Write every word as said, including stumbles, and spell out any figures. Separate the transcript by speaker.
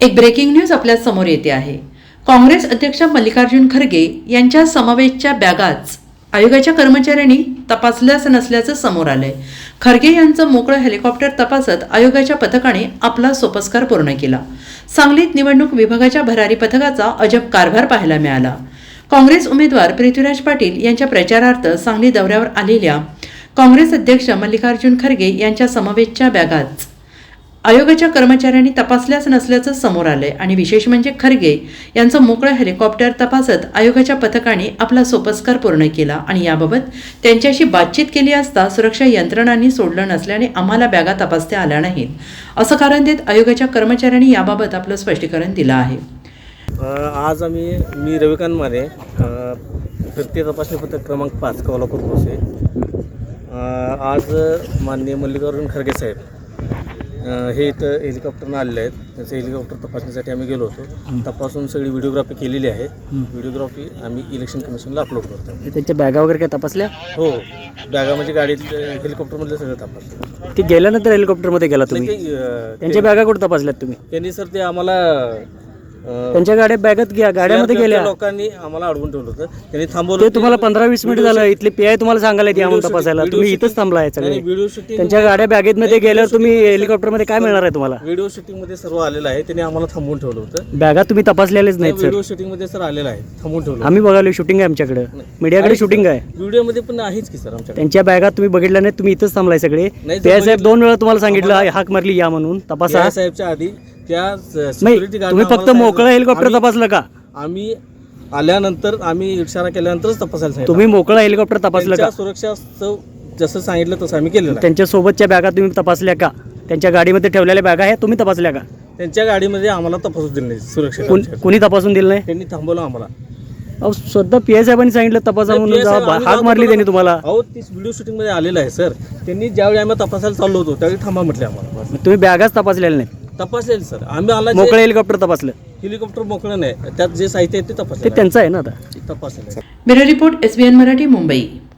Speaker 1: एक breaking news आपल्या समोर येते आहे। काँग्रेस अध्यक्ष मल्लिकार्जुन खरगे यांच्या समवेतच्या बॅगाच आयोगाच्या कर्मचाऱ्यांनी तपासल्याच नसल्याचं समोर आलंय। खरगे यांचं मोकळं हेलिकॉप्टर तपासत आयोगाच्या पथकाने आपला सोपस्कार पूर्ण केला। सांगलीत निवडणूक विभागाच्या भरारी पथकाचा अजब कारभार पाहायला मिळाला। काँग्रेस उमेदवार पृथ्वीराज पाटील यांच्या प्रचारार्थ सांगली दौऱ्यावर आलेल्या काँग्रेस अध्यक्ष मल्लिकार्जुन खरगे यांच्या समवेतच्या बॅगाच आयोगाच्या कर्मचाऱ्यांनी तपासल्याच नसल्याचं समोर आलंय आणि विशेष म्हणजे खरगे यांचं मोकळं हेलिकॉप्टर तपासत आयोगाच्या पथकाने आपला सोपस्कार पूर्ण केला आणि याबाबत त्यांच्याशी बातचीत केली असता सुरक्षा यंत्रणांनी सोडलं नसल्याने आम्हाला बॅगा तपासता आल्या नाहीत असं कारण देत आयोगाच्या कर्मचाऱ्यांनी याबाबत आपलं स्पष्टीकरण दिलं आहे।
Speaker 2: आज आम्ही मी रविकांत माने फिरती तपासणी पथक क्रमांक पाच कोल्हापूर पोसे आज माननीय मल्लिकार्जुन खरगे साहेब हे इथं हेलिकॉप्टरनं आलेले आहेत। त्याचं हेलिकॉप्टर तपासण्यासाठी आम्ही गेलो होतो। तपासून सगळी व्हिडिओग्राफी केलेली आहे। व्हिडिओग्राफी आम्ही इलेक्शन कमिशनला अपलोड करतो।
Speaker 3: त्यांच्या बॅगा वगैरे काय तपासल्या?
Speaker 2: हो, बॅगा म्हणजे गाडीत हेलिकॉप्टरमधले सगळं तपासलं।
Speaker 3: ते गेल्यानंतर हेलिकॉप्टरमध्ये गेला तुम्ही? त्यांच्या बॅगा कुठे तपासल्यात तुम्ही?
Speaker 2: त्यांनी सर ते आम्हाला
Speaker 3: त्यांच्या गाड्या बॅगात घ्या गाड्यामध्ये गेल्या
Speaker 2: लोकांनी आम्हाला अडवून ठेवलं होतं। त्यांनी थांबवलं।
Speaker 3: ते तुम्हाला पंधरा वीस मिनिट झालं इथले पी आय तुम्हाला सांगायला ती आम्हाला तपासायला, तुम्ही इथंच थांबला आहे सगळे।
Speaker 2: व्हिडिओ शूटिंग
Speaker 3: त्यांच्या गाड्या बॅगेतमध्ये गेल्यावर तुम्ही हेलिकॉप्टरमध्ये काय मिळणार आहे तुम्हाला?
Speaker 2: व्हिडिओ शूटिंग मध्ये सर्व आलेलं आहे। त्यांनी आम्हाला थांबवून ठेवलं होतं।
Speaker 3: बॅगा तुम्ही तपासलेलेच नाहीत सर?
Speaker 2: व्हिडिओ शूटिंग मध्ये सर आलेलं आहे, थांबवून ठेवलं।
Speaker 3: आम्ही बघालो शूटिंग आहे आमच्याकडे, मीडियाकडे शूटिंग आहे।
Speaker 2: व्हिडिओ मध्ये पण आहेच की सर आमच्याकडे।
Speaker 3: त्यांच्या बॅगा तुम्ही बघितल्या नाही, तुम्ही इथंच थांबलाय सगळे। पी आय साहेब दोन वेळा तुम्हाला सांगितलं हाक मारली या म्हणून तपासा
Speaker 2: साहेबच्या आधी त्या
Speaker 3: सिक्युरिटी गार्ड तुम्ही फक्त मोकळं हेलिकॉप्टर तपासलं का?
Speaker 2: आम्ही आल्यानंतर आम्ही इशारा केल्यानंतरच तपासायला सांगितलं।
Speaker 3: तुम्ही मोकळं हेलिकॉप्टर तपासलं का?
Speaker 2: सुरक्षा जसं सांगितलं तसं आम्ही केलेलं।
Speaker 3: त्यांच्या सोबतच्या बॅगा तुम्ही तपासल्या का? त्यांच्या गाडीमध्ये ठेवलेल्या बॅगा आहेत तुम्ही तपासल्या का?
Speaker 2: त्यांच्या गाडीमध्ये आम्हाला तपासू दिलं नाही सुरक्षा।
Speaker 3: कोणी तपासून दिलं नाही?
Speaker 2: त्यांनी थांबवलं आम्हाला।
Speaker 3: अहो स्वतः पी आय साहेबांनी सांगितलं तपासा म्हणून, हाक मारली त्यांनी तुम्हाला?
Speaker 2: अहो ती व्हिडिओ शूटिंग मध्ये आलेलं आहे सर। त्यांनी ज्यावेळी आम्ही तपासायला चाललो होतो त्यावेळी थांबा म्हटले आम्हाला।
Speaker 3: तुम्ही बॅगाच तपासलेल्या नाही?
Speaker 2: तपासलेलं सर आम्ही आला।
Speaker 3: मोकळं हेलिकॉप्टर तपासलं?
Speaker 2: हेलिकॉप्टर मोकळं नाही, त्यात जे साहित्य आहे ते तपासलं।
Speaker 3: ते त्यांचं आहे ना आता?
Speaker 2: तपासलं।
Speaker 1: Bureau report S B N Marathi Mumbai.